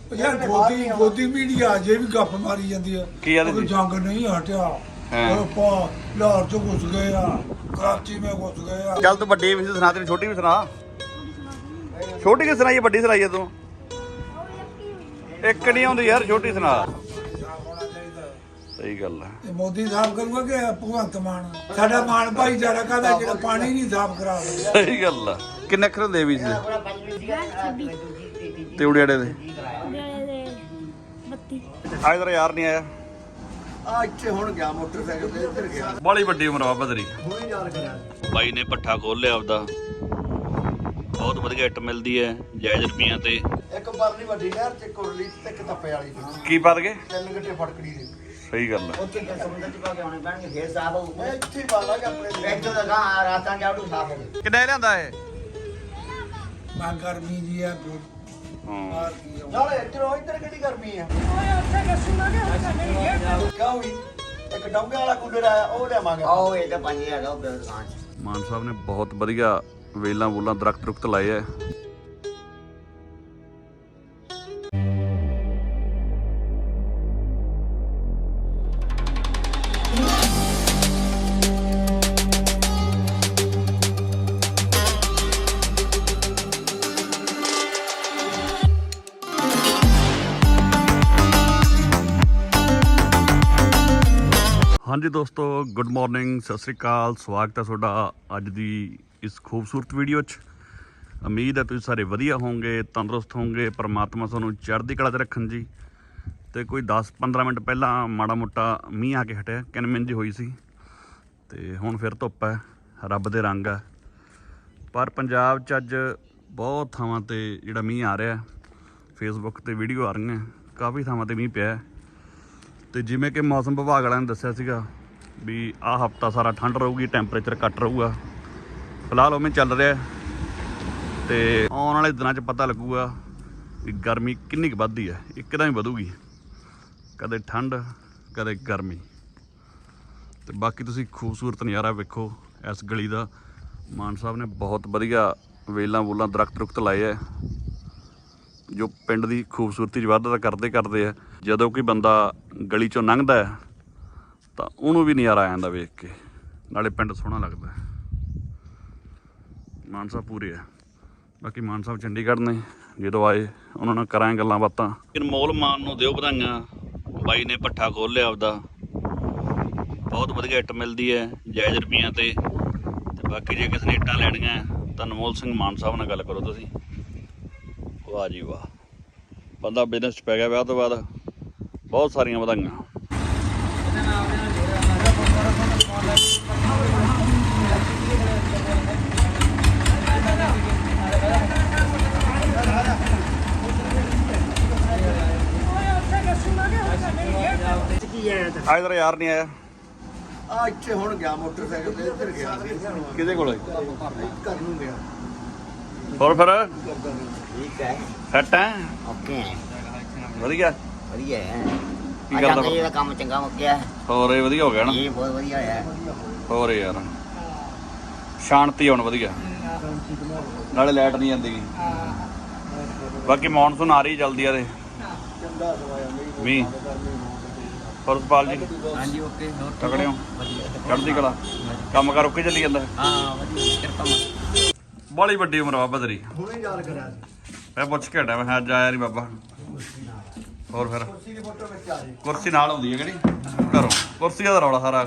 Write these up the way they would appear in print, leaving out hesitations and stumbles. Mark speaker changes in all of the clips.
Speaker 1: ਯਾਰ ਗੋਦੀ ਮੀਡੀਆ ਅਜੇ ਵੀ ਗੱਪ ਮਾਰੀ ਜਾਂਦੀ ਆ
Speaker 2: ਕੀ ਕਹਿੰਦੇ
Speaker 1: ਕੋਈ
Speaker 2: ਸੀ?
Speaker 1: ਜੰਗ ਨਹੀਂ ਹਟਿਆ
Speaker 2: ਹਾਂ।
Speaker 1: ਆਪਾਂ ਲਾਹੌਰ ਚ ਘੁਸ ਗਏ ਆ, ਕਰਾਚੀ ਮੈਂ ਘੁਸ ਗਏ ਆ।
Speaker 2: ਚੱਲ ਤੂੰ ਵੱਡੀ ਵੀ ਸੁਣਾ, ਤੈਨੂੰ ਛੋਟੀ ਵੀ ਸੁਣਾ। ਛੋਟੀ ਕਿ ਸੁਣਾਈਏ, ਵੱਡੀ ਸੁਣਾਈਏ ਤੂੰ? ਇੱਕ ਨਹੀਂ ਆਉਂਦੀ ਯਾਰ, ਛੋਟੀ ਸੁਣਾ। ਸਹੀ ਗੱਲ ਹੈ।
Speaker 1: ਤੇ ਮੋਦੀ ਸਾਫ ਕਰੂਗਾ ਕਿ ਭਗਵੰਤ ਮਾਨ? ਸਾਡਾ ਮਾਨ ਭਾਈਚਾਰਾ ਕਾਹਦਾ ਜਿਹੜਾ ਪਾਣੀ ਨਹੀਂ ਸਾਫ ਕਰਾ ਰਿਹਾ।
Speaker 2: ਸਹੀ ਗੱਲ ਆ। ਕਿੰਨੇ ਅੱਖਰ ਹੁੰਦੇ ਵੀ ਸੀ ਤੇ ਉੜਿਆੜੇ ਦੇ? ਅੱਜ ਤੇਰਾ ਯਾਰ ਨਹੀਂ ਆਇਆ?
Speaker 3: ਆ ਇੱਥੇ ਹੁਣ ਗਿਆ ਮੋਟਰਸਾਈਕਲ ਤੇ ਇੱਧਰ ਗਿਆ।
Speaker 2: ਬਾਲੀ ਵੱਡੀ ਉਮਰ ਆ ਬਦਰੀ।
Speaker 3: ਹੁਣੇ ਯਾਦ ਕਰਿਆ
Speaker 2: ਬਾਈ ਨੇ ਪੱਠਾ ਖੋਲ ਲਿਆ ਆਪਦਾ। ਬਹੁਤ ਵਧੀਆ ਇੱਟ ਮਿਲਦੀ ਹੈ ਜਾਇਜ਼ ਰੁਪਈਆਂ ਤੇ।
Speaker 3: ਇੱਕ ਪਰਲੀ ਵੱਡੀ ਨਹਿਰ ਚ ਕੁਰਲੀ ਤੇ ਇੱਕ ਤੱਪੇ ਵਾਲੀ ਚ
Speaker 2: ਕੀ ਪਾ ਦਗੇ?
Speaker 3: 3 ਘੰਟੇ ਫੜਕੜੀ ਦੇ।
Speaker 2: ਸਹੀ ਗੱਲ ਹੈ।
Speaker 4: ਉੱਥੇ ਸਮੁੰਦਰ ਚ ਪਾ ਕੇ ਆਉਣੇ ਪੈਣਗੇ, ਫੇਰ ਸਾਫ ਹੋਊ।
Speaker 3: ਮੈਂ ਇੱਥੇ ਬਾਲਾਂਗੇ ਆਪਣੇ
Speaker 4: ਇੱਥੋਂ ਦਾ ਗਾਂ ਰਾਤਾਂ ਜਾੜੂ ਸਾਫ ਹੋਵੇ।
Speaker 2: ਕਿੰਨਾ ਲਿਆਂਦਾ ਇਹ?
Speaker 1: ਮੈਂ ਗਰਮੀ ਜੀ ਆ
Speaker 2: ਹਾਂ।
Speaker 1: ਬਾਹਰ ਕੀ ਆ।
Speaker 3: ਨਾਲੇ ਇੱਧਰ ਕਿਹੜੀ ਗਰਮੀ ਆ? ਕਿਉਂ ਵੀ ਇੱਕ ਡੌਂਗੇ ਵਾਲਾ ਕੂਲਰ ਆਇਆ, ਉਹ ਲਿਆਵਾਂਗੇ।
Speaker 4: ਆਓ ਇਹ ਤਾਂ 5000 ਦਾ ਉੱਧਰ ਦੁਕਾਨ ਚ।
Speaker 2: ਮਾਨ ਸਾਹਿਬ ਨੇ ਬਹੁਤ ਵਧੀਆ ਵੇਲਾਂ ਵੂਲਾਂ ਦਰਖਤ ਰੁਖਤ ਲਾਏ ਐ। ਹਾਂਜੀ ਦੋਸਤੋ, ਗੁੱਡ ਮਾਰਨਿੰਗ, ਸਤਿ ਸ੍ਰੀ ਅਕਾਲ। ਸਵਾਗਤ ਹੈ ਤੁਹਾਡਾ ਅੱਜ ਦੀ ਇਸ ਖੂਬਸੂਰਤ ਵੀਡੀਓ 'ਚ। ਉਮੀਦ ਹੈ ਤੁਸੀਂ ਸਾਰੇ ਵਧੀਆ ਹੋਵੋਗੇ, ਤੰਦਰੁਸਤ ਹੋਵੋਗੇ। ਪਰਮਾਤਮਾ ਤੁਹਾਨੂੰ ਚੜ੍ਹਦੀ ਕਲਾ 'ਚ ਰੱਖਣ ਜੀ। ਤੇ ਕੋਈ 10-15 ਮਿੰਟ ਪਹਿਲਾਂ ਮਾੜਾ ਮੋਟਾ ਮੀਂਹ ਆ ਕੇ ਹਟਿਆ, ਕਿਨਮਿੰਜ ਹੋਈ ਸੀ ਤੇ ਹੁਣ ਫਿਰ ਧੁੱਪ ਹੈ, ਰੱਬ ਦੇ ਰੰਗ ਹੈ। ਪਰ ਪੰਜਾਬ 'ਚ ਅੱਜ ਬਹੁਤ ਥਾਵਾਂ ਤੇ ਜਿਹੜਾ ਮੀਂਹ ਆ ਰਿਹਾ, ਫੇਸਬੁੱਕ ਤੇ ਵੀਡੀਓ ਆ ਰਹੀਆਂ, ਕਾਫੀ ਥਾਵਾਂ ਤੇ ਮੀਂਹ ਪਿਆ। ਤੇ ਜਿਵੇਂ ਕਿ ਮੌਸਮ ਵਿਭਾਗ ਵਾਲਿਆਂ ਨੇ ਦੱਸਿਆ ਸੀਗਾ ਵੀ ਆਹ ਹਫਤਾ ਸਾਰਾ ਠੰਡ ਰਹੂਗੀ, ਟੈਂਪਰੇਚਰ ਘੱਟ ਰਹੂਗਾ। ਫਿਲਹਾਲ ਉਵੇਂ ਚੱਲ ਰਿਹਾ ਤੇ ਆਉਣ ਵਾਲੇ ਦਿਨਾਂ 'ਚ ਪਤਾ ਲੱਗੂਗਾ ਵੀ ਗਰਮੀ ਕਿੰਨੀ ਕੁ ਵੱਧਦੀ ਹੈ। ਇੱਕਦਮ ਹੀ ਵਧੂਗੀ, ਕਦੇ ਠੰਡ ਕਦੇ ਗਰਮੀ। ਤੇ ਬਾਕੀ ਤੁਸੀਂ ਖੂਬਸੂਰਤ ਨਜ਼ਾਰਾ ਵੇਖੋ ਇਸ ਗਲੀ ਦਾ। ਮਾਨ ਸਾਹਿਬ ਨੇ ਬਹੁਤ ਵਧੀਆ ਵੇਲਾਂ ਵੂਲਾਂ ਦਰਖਤ ਰੁਖਤ ਲਾਏ ਹੈ, ਜੋ ਪਿੰਡ ਦੀ ਖੂਬਸੂਰਤੀ 'ਚ ਵਾਧਾ ਤਾਂ ਕਰਦੇ ਆ। ਜਦੋਂ ਕੋਈ ਬੰਦਾ ਗਲੀ 'ਚੋਂ ਲੰਘਦਾ ਹੈ ਤਾਂ ਉਹਨੂੰ ਵੀ ਨਜ਼ਾਰਾ ਆ ਜਾਂਦਾ ਵੇਖ ਕੇ, ਨਾਲੇ ਪਿੰਡ ਸੋਹਣਾ ਲੱਗਦਾ। ਮਾਨ ਸਾਹਿਬ ਪੂਰੇ ਆ। ਬਾਕੀ ਮਾਨ ਸਾਹਿਬ ਚੰਡੀਗੜ੍ਹ ਨੇ, ਜਦੋਂ ਆਏ ਉਹਨਾਂ ਨਾਲ ਕਰਾਂਗੇ ਗੱਲਾਂ ਬਾਤਾਂ। ਅਨਮੋਲ ਮਾਨ ਨੂੰ ਦਿਓ ਵਧਾਈਆਂ, ਬਾਈ ਨੇ ਪੱਠਾ ਖੋਲ ਲਿਆ ਆਪਦਾ। ਬਹੁਤ ਵਧੀਆ ਇੱਟ ਮਿਲਦੀ ਹੈ ਜਾਇਜ਼ ਰੁਪਈਆਂ ਤੇ। ਬਾਕੀ ਜੇ ਕਿਸੇ ਨੇ ਇੱਟਾਂ ਲੈਣੀਆਂ ਤਾਂ ਅਨਮੋਲ ਸਿੰਘ ਮਾਨ ਸਾਹਿਬ ਨਾਲ ਗੱਲ ਕਰੋ ਤੁਸੀਂ। ਵਾਹ ਜੀ ਵਾਹ, ਬੰਦਾ ਬਿਜ਼ਨਸ 'ਚ ਪੈ ਗਿਆ ਵਿਆਹ ਤੋਂ ਬਾਅਦ। ਬਹੁਤ ਸਾਰੀਆਂ ਵਧਾਈਆਂ। ਅੱਜ ਤੇਰਾ ਯਾਰ ਨਹੀਂ ਆਇਆ?
Speaker 3: ਆ ਇੱਥੇ ਹੁਣ ਗਿਆ ਮੋਟਰਸਾਈਕਲ ਤੇ ਇੱਧਰ ਗਿਆ।
Speaker 2: ਕਿਹਦੇ ਕੋਲ?
Speaker 3: ਘਰ ਨੂੰ ਗਿਆ।
Speaker 2: ਹੋਰ ਫਿਰ
Speaker 4: ਠੀਕ ਹੈ,
Speaker 2: ਸੈੱਟ ਹੈ?
Speaker 4: ਓਕੇ ਹੈ,
Speaker 2: ਵਧੀਆ
Speaker 4: ਵਧੀਆ ਹੈ।
Speaker 2: ਕੀ ਕਰਦਾ?
Speaker 4: ਇਹਦਾ ਕੰਮ ਚੰਗਾ ਮੁੱਕਿਆ ਹੈ।
Speaker 2: ਹੋਰ ਇਹ ਵਧੀਆ ਹੋ ਗਿਆ ਨਾ?
Speaker 4: ਇਹ ਬਹੁਤ ਵਧੀਆ ਹੈ।
Speaker 2: ਹੋਰ ਯਾਰ ਸ਼ਾਂਤੀ ਹੁਣ ਵਧੀਆ, ਨਾਲੇ ਲਾਈਟ ਨਹੀਂ ਜਾਂਦੀ ਗੀ। ਬਾਕੀ ਮੌਨਸੂਨ ਆ ਰਹੀ ਜਲਦੀ ਆ। ਤੇ
Speaker 3: ਚੰਗਾ ਸਵਾਇਆ
Speaker 2: ਮੀਂਹ। ਹੋਰ ਸੁਪਾਲ ਜੀ
Speaker 4: ਹਾਂਜੀ ਓਕੇ, ਹੋਰ
Speaker 2: ਤਕੜੇ ਹੋ? ਚੜ੍ਹਦੀ ਕਲਾ। ਕੰਮ ਕਾਰ ਓਕੇ ਚੱਲੀ ਜਾਂਦਾ?
Speaker 4: ਹਾਂ ਵਧੀਆ, ਕਿਰਪਾ ਮਾ।
Speaker 2: ਬਾਲੀ ਵੱਡੀ ਉਮਰ ਆ ਬਦਰੀ।
Speaker 3: ਹੁਣੇ ਯਾਦ ਕਰਿਆ।
Speaker 2: ਮੈਂ ਪੁੱਛ ਕੇ ਹਟਿਆ, ਮੈਂ ਅੱਜ ਆਇਆ ਨਹੀਂ ਬਾਬਾ। ਹੋਰ ਫਿਰ
Speaker 3: ਕੁਰਸੀ ਦੀ ਫੋਟੋ ਵਿੱਚ ਆ ਜੀ।
Speaker 2: ਕੁਰਸੀ ਨਾਲ ਹੁੰਦੀ ਹੈ ਕਿਹੜੀ ਘਰੋਂ? ਕੁਰਸੀ ਦਾ ਰੌਲਾ ਸਾਰਾ।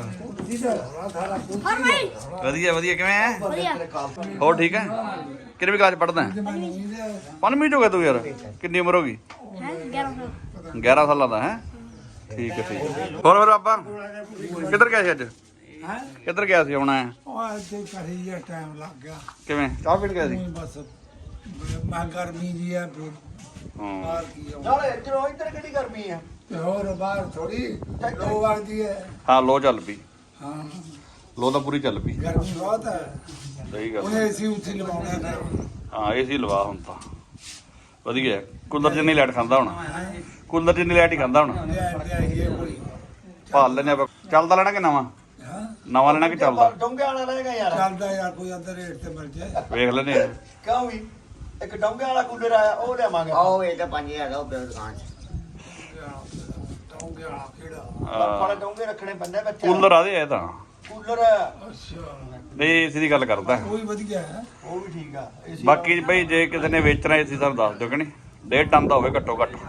Speaker 2: ਵਧੀਆ ਵਧੀਆ, ਕਿਵੇਂ ਹੈ? ਹੋਰ ਠੀਕ ਹੈ? ਕਿਹੜੀ ਕਲਾਸ ਪੜ੍ਹਦਾ? 5ਵੀਂ ਚ ਹੋ ਗਿਆ ਤੂੰ ਯਾਰ? ਕਿੰਨੀ ਉਮਰ ਹੋ ਗਈ? 11 ਸਾਲਾਂ ਦਾ ਹੈ? ਠੀਕ ਹੈ ਠੀਕ ਹੈ। ਹੋਰ ਫਿਰ ਬਾਬਾ ਕਿੱਧਰ ਗਿਆ ਸੀ ਅੱਜ? ਕਿੱਧਰ ਗਿਆ ਸੀ? ਆਉਣਾ ਹੈ?
Speaker 1: ਉਹ ਇੱਥੇ ਕਰੀ ਜਿਹਾ ਟਾਈਮ ਲੱਗ ਗਿਆ।
Speaker 2: ਕਿਵੇਂ ਚਾਹ ਪੀਣ ਗਿਆ ਸੀ?
Speaker 1: ਨਹੀਂ ਬਸ ਮੈਂ ਗਰਮੀ ਜੀ ਆ
Speaker 2: ਹਾਂ।
Speaker 1: ਬਾਹਰ ਕੀ ਆ।
Speaker 3: ਨਾਲੇ ਇੱਧਰ ਕਿਹੜੀ ਗਰਮੀ ਆ?
Speaker 1: ਤੇ ਹੋਰ ਬਾਹਰ ਥੋੜੀ ਲੋ ਵਗਦੀ ਹੈ।
Speaker 2: ਹਾਂ ਲੋ ਚੱਲ ਪਈ,
Speaker 1: ਹਾਂ
Speaker 2: ਲੋ ਤਾਂ ਪੂਰੀ ਚੱਲ ਪਈ।
Speaker 1: ਗਰਮੀ ਬਹੁਤ ਹੈ।
Speaker 2: ਸਹੀ ਗੱਲ।
Speaker 1: ਉਹਨੇ ਏਸੀ ਉੱਥੇ ਲਵਾਉਣਾ ਫਿਰ।
Speaker 2: ਹਾਂ ਏਸੀ ਲਵਾ ਹੁਣ ਤਾਂ ਵਧੀਆ। ਕੂਲਰ ਜਿੰਨੀ ਲਾਈਟ ਖਾਂਦਾ ਹੁਣ, ਕੂਲਰ ਜਿੰਨੀ ਲਾਈਟ ਹੀ ਖਾਂਦਾ ਹੁਣ।
Speaker 1: ਲਿਆਈਏ ਕੋਈ।
Speaker 2: ਭਾਲ ਲੈਣੇ ਆਪਾਂ। ਚੱਲਦਾ ਲੈਣਾ ਕਿ ਨਵਾਂ?
Speaker 1: ਹਾਂ
Speaker 2: ਨਵਾਂ ਲੈਣਾ ਕਿ ਚੱਲਦਾ?
Speaker 3: ਡੌਂਗੇ ਵਾਲਾ ਰਹੇਗਾ ਯਾਰ।
Speaker 1: ਚੱਲਦਾ ਯਾਰ, ਕੋਈ ਅੰਦਰ ਰੇਟ ਤੇ ਮਿਲ ਜਾਏ।
Speaker 2: ਵੇਖ ਲੈਨੇ ਆ।
Speaker 3: ਕਿਉਂ ਵੀ ਇੱਕ ਡੌਂਗੇ ਵਾਲਾ ਕੂਲਰ ਆਇਆ ਉਹ ਲਿਆਵਾਂਗੇ
Speaker 4: ਉਹ ਇਹ ਤਾਂ 5000 ਦਾ ਉਹ ਪਿਆ ਦੁਕਾਨ 'ਚ
Speaker 1: ਟੌਂਗੇ ਵਾਲਾ ਕਿਹੜਾ
Speaker 3: ਆਪਾਂ ਡੌਂਗੇ ਰੱਖਣੇ ਪੈਂਦੇ ਬੱਚੇ
Speaker 2: ਕੂਲਰ ਆਦੇ ਇਹ ਤਾਂ
Speaker 3: ਕੂਲਰ
Speaker 1: ਅੱਛਾ
Speaker 2: ਨਹੀਂ ਏਸੀ ਦੀ ਗੱਲ ਕਰਦਾ
Speaker 1: ਉਹ ਵੀ ਵਧੀਆ ਹੈ
Speaker 3: ਉਹ ਵੀ ਠੀਕ ਆ AC
Speaker 2: ਬਾਕੀ ਬਈ ਜੇ ਕਿਸੇ ਨੇ ਵੇਚਣਾ ਏਸੀ ਸਾਨੂੰ ਦੱਸ ਦਿਓ ਕਿ ਨਹੀਂ 1.5 ਟਨ ਦਾ ਹੋਵੇ ਘੱਟੋ ਘੱਟ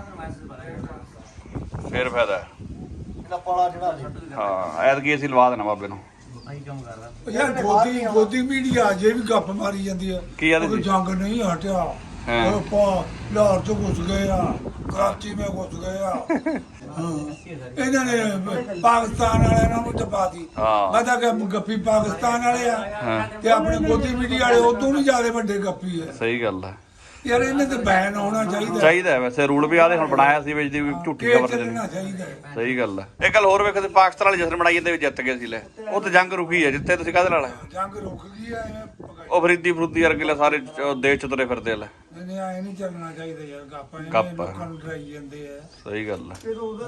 Speaker 2: ਫੇਰ ਫਾਇਦਾ ਹੈ।
Speaker 3: ਇਹਦਾ ਪਾਲਾ ਜਿਹੜਾ ਜੀ
Speaker 2: ਹਾਂ ਐਤਕੀ ਅਸੀਂ ਲਵਾ ਦੇਣਾ ਬਾਬੇ ਨੂੰ
Speaker 1: ਯਾਰ ਗੋਦੀ ਮੀਡੀਆ ਜੇ ਵੀ ਗੱਪ ਮਾਰੀ ਜਾਂਦੀ ਹੈ
Speaker 2: ਕੀ ਆਦੇ
Speaker 1: ਉਹ
Speaker 2: ਜੀ?
Speaker 1: ਜੰਗ ਨਹੀਂ ਹਟਿਆ
Speaker 2: ਹਾਂ।
Speaker 1: ਉਹ ਲਾਹੌਰ ਤੋਂ ਘੁਸ ਗਏ ਆ ਕਰਾਚੀ में घुस गए ਆ ਇਹਨਾਂ ਨੇ ਪਾਕਿਸਤਾਨ ਵਾਲਿਆਂ ਨੂੰ ਦਬਾਤੀ
Speaker 2: ਹਾਂ।
Speaker 1: ਮੈਂ ਤਾਂ ਕਿ ਗੱਪੀ ਪਾਕਿਸਤਾਨ ਵਾਲੇ ਆ
Speaker 2: ਹਾਂ।
Speaker 1: ਤੇ ਆਪਣੇ ਗੋਦੀ ਮੀਡੀਆ ਵਾਲੇ ਉਦੋਂ ਵੀ ਜ਼ਿਆਦਾ ਵੱਡੇ ਗੱਪੀ ਆ
Speaker 2: ਸਹੀ ਗੱਲ ਹੈ
Speaker 1: ਯਾਰ ਇਹਨੇ ਤੇ ਬੈਨ ਹੋਣਾ ਚਾਹੀਦਾ
Speaker 2: ਚਾਹੀਦਾ ਹੈ ਵੈਸੇ ਰੂਲ ਵੀ ਆਦੇ ਹੁਣ ਬਣਾਇਆ ਸੀ ਵਿੱਚ ਦੀ ਵੀ ਝੂਠੀ
Speaker 1: ਇਹ
Speaker 2: ਖਬਰ
Speaker 1: ਚੱਲਣਾ
Speaker 2: ਦੇਣੀ
Speaker 1: ਚਾਹੀਦਾ ਹੈ।
Speaker 2: ਸਹੀ ਗੱਲ ਹੈ ਇਹ ਗੱਲ ਹੋਰ ਵੇਖਦੇ ਪਾਕਿਸਤਾਨ ਵਾਲੇ ਜਸ਼ਨ ਬਣਾਈ ਜਾਂਦੇ ਵੀ ਜਿੱਤ ਗਏ ਸੀ ਲੈ ਉਹ ਤੇ ਜੰਗ ਰੁਕੀ ਹੈ ਜਿੱਥੇ ਤੁਸੀਂ ਕਾਹਦੇ ਨਾਲ
Speaker 1: ਜੰਗ ਰੁਕ ਗਈ ਆ ਐਵੇਂ ਪਕਾਈ।
Speaker 2: ਉਹ ਫਰੀਦੀ ਫਰੂਦੀ ਵਰਗੇ ਲੈ ਸਾਰੇ ਦੇਸ਼ ਚ ਤੁਰੇ ਫਿਰਦੇ ਲੈ
Speaker 1: ਨਹੀਂ ਐ ਨਹੀਂ ਚੱਲਣਾ ਚਾਹੀਦਾ ਯਾਰ ਗੱਪ
Speaker 2: ਗੱਪ।
Speaker 1: ਐਵੇਂ ਲੋਕਾਂ ਨੂੰ ਡਰਾਈ ਜਾਂਦੇ ਆ
Speaker 2: ਸਹੀ ਗੱਲ ਹੈ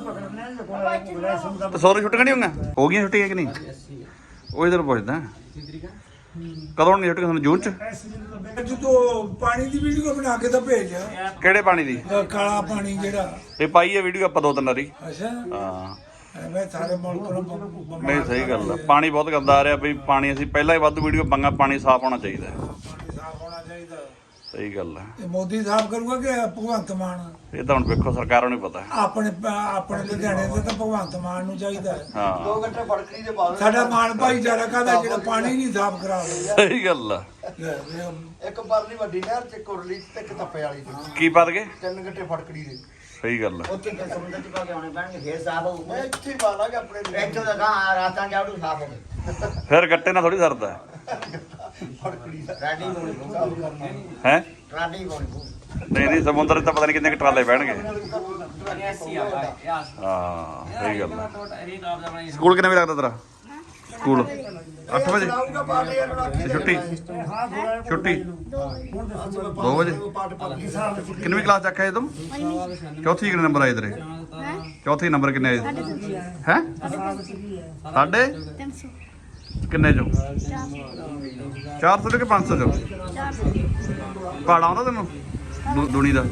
Speaker 2: ਤੇ ਸੋਰੀ ਛੁੱਟੀਆਂ ਨਹੀਂ ਹੋਈਆਂ ਹੋ ਗਈਆਂ ਛੁੱਟੀਆਂ ਕਿ ਨਹੀਂ ਉਹ ਇਧਰ ਪੁੱਛਦਾ ਕਦੋਂ ਨਹੀਂ ਛੁੱਟੀਆਂ ਤੁਹਾਨੂੰ ਜੂਨ ਚ
Speaker 1: ਜਦੋਂ ਪਾਣੀ ਦੀ ਵੀਡੀਓ ਬਣਾ ਕੇ ਤਾਂ ਭੇਜ
Speaker 2: ਕਿਹੜੇ ਪਾਣੀ ਦੀ
Speaker 1: ਕਾਲਾ ਪਾਣੀ ਜਿਹੜਾ
Speaker 2: ਇਹ ਪਾਈ ਹੈ ਵੀਡੀਓ ਆਪਾਂ 2-3 ਵਾਰੀ
Speaker 1: ਅੱਛਾ
Speaker 2: ਹਾਂ
Speaker 1: ਐਵੇਂ ਸਾਰੇ ਮੁਲਕ ਨੂੰ ਬਿਮਾਰ
Speaker 2: ਨਹੀਂ ਸਹੀ ਗੱਲ ਹੈ ਪਾਣੀ ਬਹੁਤ ਗੰਦਾ ਆ ਰਿਹਾ ਬਈ ਪਾਣੀ ਅਸੀਂ ਪਹਿਲਾਂ ਹੀ ਵਾਧੂ ਵੀਡੀਓ ਪਾਂਗਾ ਪਾਣੀ ਸਾਫ਼ ਹੋਣਾ ਚਾਹੀਦਾ ਹੈ।
Speaker 1: ਪਾਣੀ ਸਾਫ਼ ਹੋਣਾ ਚਾਹੀਦਾ
Speaker 2: ਸਹੀ ਗੱਲ ਹੈ
Speaker 1: ਇਹ ਮੋਦੀ ਸਾਫ਼ ਕਰੂਗਾ ਕਿ ਭਗਵੰਤ ਮਾਨ
Speaker 2: ਇਹ ਤਾਂ ਹੁਣ ਵੇਖੋ ਸਰਕਾਰਾਂ ਨੂੰ ਹੀ ਪਤਾ ਹੈ।
Speaker 1: ਆਪਣੇ ਲੁਧਿਆਣੇ ਦੇ ਤਾਂ ਭਗਵੰਤ ਮਾਨ ਨੂੰ ਚਾਹੀਦਾ ਹੈ।
Speaker 2: ਹਾਂ
Speaker 3: 2 ਘੰਟੇ ਫੜਕਰੀ ਦੇ ਬਾਅਦ
Speaker 1: ਸਾਡਾ ਮਾਨ ਭਾਈਚਾਰਾ ਕਾਹਦਾ ਜਿਹੜਾ ਪਾਣੀ ਨਹੀਂ ਸਾਫ਼ ਕਰਾ ਰਿਹਾ
Speaker 2: ਸਹੀ ਗੱਲ ਆ
Speaker 3: ਇੱਕ ਪਰਲੀ ਵੱਡੀ ਨਹਿਰ ਚ ਕੁਰਲੀ ਤੇ ਇੱਕ ਤੱਪੇ ਵਾਲੀ ਚ
Speaker 2: ਕੀ ਪਤ ਗਏ
Speaker 3: 3 ਘੰਟੇ ਫੜਕੜੀ ਦੇ
Speaker 2: ਸਹੀ ਗੱਲ ਆ
Speaker 4: ਉੱਥੇ ਤੇ ਸਮੁੰਦਰ 'ਚ ਪਾ ਕੇ ਆਉਣੇ ਪੈਣਗੇ ਫੇਰ ਸਾਫ ਹੋਊਗਾ
Speaker 3: ਮੈਂ ਇੱਥੇ ਹੀ ਪਾਲਾਂਗੇ ਆਪਣੇ
Speaker 4: ਇੱਥੋਂ ਦਾ ਗਾਂ ਰਾਤਾਂ ਜਾੜੂ ਸਾਫ ਹੋ ਗਏ
Speaker 2: ਫਿਰ ਗੱਟੇ ਨਾਲ ਥੋੜੀ ਸਰਦਾ
Speaker 3: ਫੜਕੜੀ ਦਾ
Speaker 4: ਟਰਾਡੀ ਹੋਣੀ
Speaker 2: ਹੈ
Speaker 4: ਟਰਾਡੀ ਹੋਣੀ
Speaker 2: ਨਹੀਂ ਨਹੀਂ ਸਮੁੰਦਰ 'ਚ ਤਾਂ ਪਤਾ ਨਹੀਂ ਕਿੰਨੇ ਕੁ ਟਰਾਲੇ ਬਹਿਣਗੇ ਹਾਂ ਸਹੀ ਗੱਲ ਆ ਸਕੂਲ ਕਿੰਨੇ ਵਜੇ ਲੱਗਦਾ ਤੇਰਾ ਸਕੂਲ 8 ਵਜੇ ਤੇ ਛੁੱਟੀ ਛੁੱਟੀ 2 ਵਜੇ ਕਿੰਨਵੀਂ ਕਲਾਸ ਚ ਆਖਿਆ ਤੂੰ ਚੌਥੀ ਕਿੰਨੇ ਨੰਬਰ ਆਏ ਤੇਰੇ ਚੌਥੀ ਨੰਬਰ ਕਿੰਨੇ ਆਏ ਹੈ ਸਾਡੇ ਕਿੰਨੇ ਚੋਂ 400 ਕਿ 500 ਚੋਂ ਪਹਾੜਾ ਆਉਂਦਾ ਤੈਨੂੰ ਦੁਨੀ ਦਾ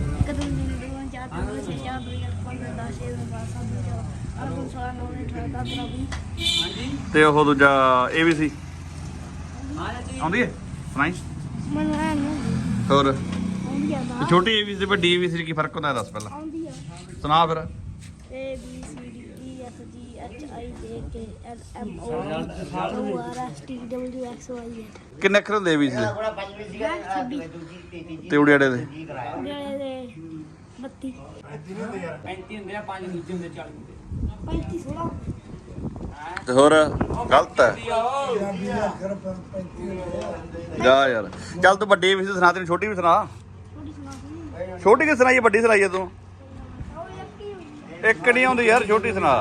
Speaker 2: ਤੇ ਉਹ ਦੂਜਾ ਇਹ ਵੀ ਸੀ ਆਉਂਦੀ ਹੈ ਸੁਣਾਈ ਹੋਰ ਤੇ ਛੋਟੀ ਏ ਵੀ ਸੀ ਵੱਡੀ ਏ ਵੀ ਸੀ ਕੀ ਫਰਕ ਹੁੰਦਾ ਦੱਸ ਪਹਿਲਾਂ ਸੁਣਾ ਫਿਰ
Speaker 5: A B C D E F G H I J K L M O P R S T W X Y Z
Speaker 2: ਕਿੰਨੇ ਅੱਖਰ ਹੁੰਦੇ ਏ ਵੀ ਸੀ ਦੇ?
Speaker 4: ਥੋੜਾ ਪੰਜਵੀਂ ਸੀ ਦੂਜੀ ਤੀਜੀ
Speaker 2: ਤੇ ਉੜਿਆੜੇ ਦੇ
Speaker 5: ਜਿਹੜੇ ਦੇ 32
Speaker 4: 35 ਹੁੰਦੇ ਆ 5 ਦੂਜੇ ਹੁੰਦੇ 40 ਹੁੰਦੇ
Speaker 5: 35 16
Speaker 2: ਤੇ ਹੋਰ ਗਲਤ ਹੈ
Speaker 1: ਪੰਜਾਬੀ ਦਾ ਅਖਰ 35
Speaker 2: ਜਾ ਯਾਰ ਚੱਲ ਤੂੰ ਵੱਡੀ ਵੀ ਸੀ ਸੁਣਾ ਤੈਨੂੰ ਛੋਟੀ ਵੀ ਸੁਣਾ
Speaker 5: ਥੋੜੀ ਸੁਣਾ
Speaker 2: ਛੋਟੀ ਕਿ ਸੁਣਾਈਏ ਵੱਡੀ ਸੁਣਾਈਏ ਤੂੰ
Speaker 5: ਉਹ ਯੱਕੀ
Speaker 2: ਇੱਕ ਨਹੀਂ ਆਉਂਦੀ ਯਾਰ ਛੋਟੀ ਸੁਣਾ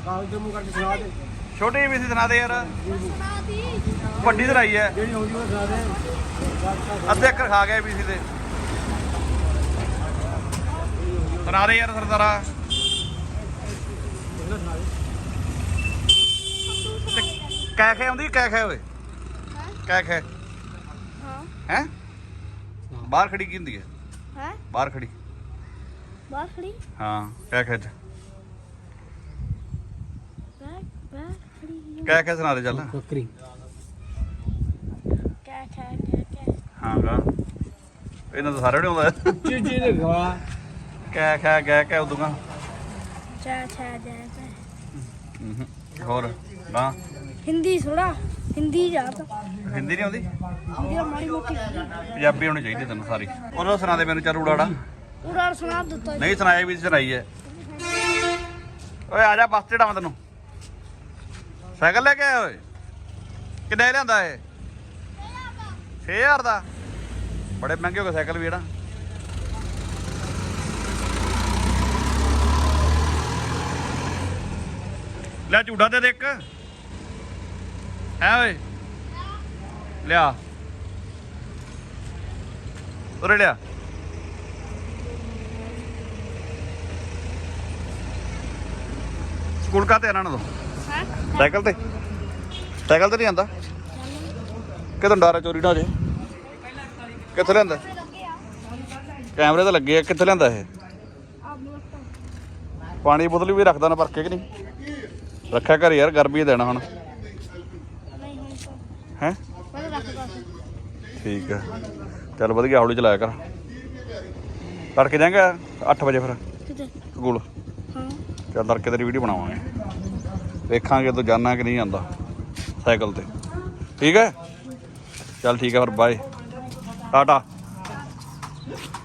Speaker 2: ਛੋਟੀ ਵੀ ਸੀ ਸੁਣਾ ਦੇ ਯਾਰ
Speaker 5: ਸੁਣਾ ਦੀ
Speaker 2: ਵੱਡੀ ਸੁਣਾਈ ਹੈ ਅੱਧੇ ਅੱਖਰ ਖਾ ਗਏ ਵੀ ਸੀ ਤੇ ਸੁਣਾ ਦੇ ਯਾਰ ਸਰਦਾਰਾ ਕੈ ਖੈ ਆਉਂਦੀ ਕੈ ਖੈ ਓਏ ਕੈ ਖੈ
Speaker 5: ਹਾਂ
Speaker 2: ਹੈ ਬਾਹਰ ਖੜੀ ਕੀ ਹੁੰਦੀ ਹੈ
Speaker 5: ਹੈ
Speaker 2: ਬਾਹਰ ਖੜੀ
Speaker 5: ਬਾਹਰ ਖੜੀ
Speaker 2: ਹਾਂ ਕੈ ਖੈ ਚ
Speaker 5: ਬਾਹਰ ਖੜੀ
Speaker 2: ਕੈ ਖੈ ਸੁਣਾ ਦੇ ਚੱਲ
Speaker 5: ਕੈ
Speaker 2: ਹਾਂ ਗਾ ਇਹਨਾਂ ਤਾਂ ਸਾਰੇ ਨਹੀਂ ਆਉਂਦਾ
Speaker 6: ਚੀਜੀ ਦੇ ਗਵਾ
Speaker 2: ਕੈ ਖੈ ਗੈ ਕੈ ਉਦੋਂ
Speaker 5: ਚਾ ਚਾ ਜਾ
Speaker 2: ਹੋਰ ਨਾ
Speaker 5: ਹਿੰਦੀ ਸੁਣਾ ਹਿੰਦੀ ਜਾ ਤਾਂ
Speaker 2: ਹਿੰਦੀ ਨਹੀਂ ਆਉਂਦੀ
Speaker 5: ਹਿੰਦੀ ਮਾੜੀ ਮੋਟੀ
Speaker 2: ਪੰਜਾਬੀ ਆਉਣੀ ਚਾਹੀਦੀ ਤੈਨੂੰ ਸਾਰੀ ਉਹਨਾਂ ਸੁਣਾ ਦੇ ਮੈਨੂੰ ਚੱਲ ਉੜਾੜਾ
Speaker 5: ਪੂਰਾ ਸੁਣਾ ਦਿੱਤਾ
Speaker 2: ਨਹੀਂ ਸੁਣਾਇਆ ਵੀ ਸੁਣਾਈ ਹੈ ਓਏ ਆ ਜਾ ਬੱਸ ਚੜਾਵਾਂ ਤੈਨੂੰ ਸਾਈਕਲ ਲੈ ਕੇ ਆਇਆ ਓਏ ਕਿੰਨੇ ਲਿਆਂਦਾ ਇਹ 6000 ਦਾ ਬੜੇ ਮਹਿੰਗੇ ਹੋ ਗਏ ਸਾਈਕਲ ਵੀ ਜਿਹੜਾ ਲੈ ਝੂਟਾ ਦੇ ਇੱਕ ਹੈ ਓਏ ਲਿਆ ਉਰੇ ਲਿਆ ਸਕੂਲ ਕਾਤੇ ਇਹਨਾਂ ਨੂੰ
Speaker 5: ਹਾਂ
Speaker 2: ਸਾਈਕਲ ਤੇ ਨਹੀਂ ਆਂਦਾ ਕਿਦੋਂ ਡਾਰਾ ਚੋਰੀ ਨਾ ਹੋ ਜੇ ਕਿੱਥੇ ਲੈਂਦਾ ਕੈਮਰੇ ਤਾਂ ਲੱਗੇ ਆ। ਕਿੱਥੇ ਲੈਂਦਾ ਇਹ?
Speaker 5: ਆਪ ਨੂੰ ਪਤਾ
Speaker 2: ਪਾਣੀ ਦੀ ਬੋਤਲ ਵੀ ਰੱਖਦਾ ਨਾ ਭਰ ਕੇ ਕਿ ਨਹੀਂ? ਰੱਖਿਆ ਘਰ ਯਾਰ, ਗਰਮੀ ਦੇਣਾ ਹੁਣ
Speaker 5: ਨਹੀਂ ਹੁਣ ਤਾਂ
Speaker 2: ਹੈ।
Speaker 5: ਪਹਿਲਾਂ ਰੱਖਦਾ ਸੀ
Speaker 2: ਠੀਕ ਹੈ, ਚੱਲ ਵਧੀਆ, ਹੌਲੀ ਚਲਾਇਆ ਕਰ। ਤੜਕੇ ਜਾਏਗਾ 8 ਵਜੇ ਫਿਰ
Speaker 5: ਕਿਤੇ
Speaker 2: ਸਕੂਲ?
Speaker 5: ਹਾਂ
Speaker 2: ਚੱਲ ਤੜਕੇ ਤੇਰੀ ਵੀਡੀਓ ਬਣਾਵਾਂਗੇ, ਦੇਖਾਂਗੇ ਤੂੰ ਜਾਣਾ ਕਿ ਨਹੀਂ ਜਾਂਦਾ ਸਾਈਕਲ ਤੇ। ਠੀਕ ਹੈ, ਚੱਲ ਠੀਕ ਹੈ ਫਿਰ, ਬਾਏ, ਟਾਟਾ।